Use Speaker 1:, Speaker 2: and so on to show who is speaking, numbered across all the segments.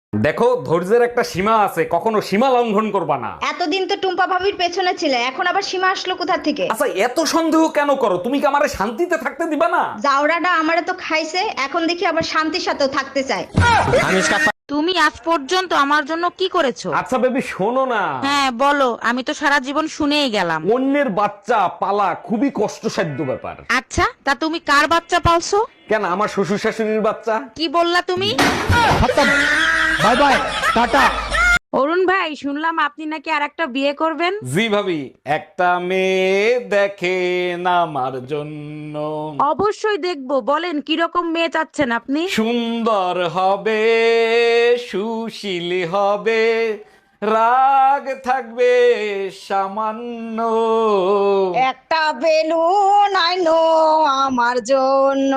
Speaker 1: দেখো, ধৈর্যের একটা সীমা আছে, কখনো সীমা লঙ্ঘন করবা না।
Speaker 2: এতদিন তো টুম্পা ভাবির পেছনে ছিলে, এখন আবার সীমা আসলো কোথা থেকে?
Speaker 1: আচ্ছা, এত সন্দেহ কেন করো? তুমি কি আমারে শান্তিতে থাকতে দিবা না?
Speaker 2: জাউরাটা আমারে তো খাইছে, এখন দেখি আবার শান্তির সাথেও থাকতে চায়।
Speaker 3: তুমি আজ পর্যন্ত আমার জন্য কি করেছো?
Speaker 1: আচ্ছা বেবি, শোনো না।
Speaker 3: হ্যাঁ বলো, আমি তো সারা জীবন শুনেই গেলাম।
Speaker 1: অন্যের বাচ্চা পালা খুবই কষ্টসাধ্য ব্যাপার।
Speaker 3: আচ্ছা, তা তুমি কার বাচ্চা পালছো?
Speaker 1: কেন, আমার শ্বশুর শাশুড়ির বাচ্চা।
Speaker 3: কি বললা তুমি?
Speaker 1: Bye bye, tata.
Speaker 3: অরুণ ভাই, শুনলাম আপনি নাকি আর একটা বিয়ে করবেন।
Speaker 1: জি ভাবি, একটা মেয়ে দেখেন আমার জন্য।
Speaker 3: অবশ্যই দেখবো, বলেন কিরকম মেয়ে চাচ্ছেন আপনি?
Speaker 1: সুন্দর হবে, সুশীল হবে, রাগ থাকবে সামান্য।
Speaker 2: একটা বেলুন আইনো আমার জন্য।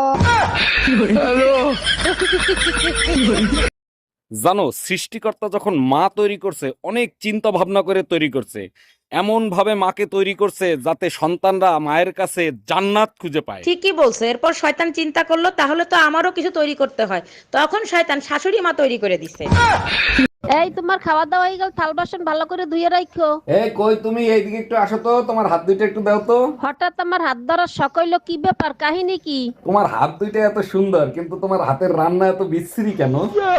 Speaker 1: জানো, সৃষ্টিকর্তা যখন মা তৈরি করছে অনেক চিন্তা ভাবনা করে তৈরি করছে। এমন ভাবে মাকে তৈরি করছে যাতে সন্তানরা মায়ের কাছে জান্নাত খুঁজে পায়।
Speaker 3: ঠিকই বলছো। এরপর শয়তান চিন্তা করলো তাহলে তো আমারও কিছু তৈরি করতে হয়, তখন শয়তান শাশুড়ি মা তৈরি করে দিছে।
Speaker 4: এই তোমার খাওয়া দাওয়া হয়ে গেল, থাল বাসন ভালো করে ধুয়ে রাখো।
Speaker 1: এই কই তুমি, এইদিকে একটু আসো তো, তোমার হাত দুইটা একটু দাও তো।
Speaker 4: হঠাৎ আমার হাত ধরার শখ হইলো, কি ব্যাপার, কাহিনী কি?
Speaker 1: তোমার হাত দুইটা এত সুন্দর, কিন্তু তোমার হাতের রান্না এত বিশ্রী কেন?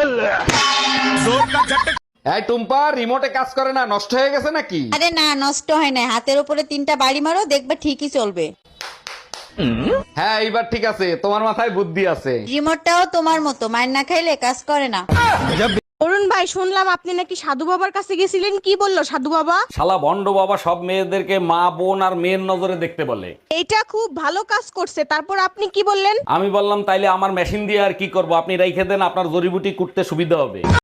Speaker 1: এই টুম্পা, রিমোটে কাজ করে না, নষ্ট হয়ে গেছে নাকি?
Speaker 5: আরে না, নষ্ট হয় না। হাতের উপরে 3টা বাড়ি মারো, দেখবে ঠিকই চলবে।
Speaker 1: হ্যাঁ, এইবার ঠিক আছে, তোমার মাথায় বুদ্ধি আছে।
Speaker 5: রিমোটটাও তোমার মতো, মায়ের না খাইলে কাজ করে না।
Speaker 3: অরুণ ভাই, শুনলাম আপনি নাকি সাধু বাবার কাছে গেছিলেন, কি বললো সাধু বাবা?
Speaker 1: শালা ভন্ড বাবা সব মেয়েদেরকে মা বোন আর মেয়ের নজরে দেখতে বলে।
Speaker 3: এইটা খুব ভালো কাজ করছে, তারপর আপনি কি বললেন?
Speaker 1: আমি বললাম তাইলে আমার মেশিন দিয়ে আর কি করব, আপনি রাইখে দেন, আপনার জড়িবুটি কুটতে সুবিধা হবে।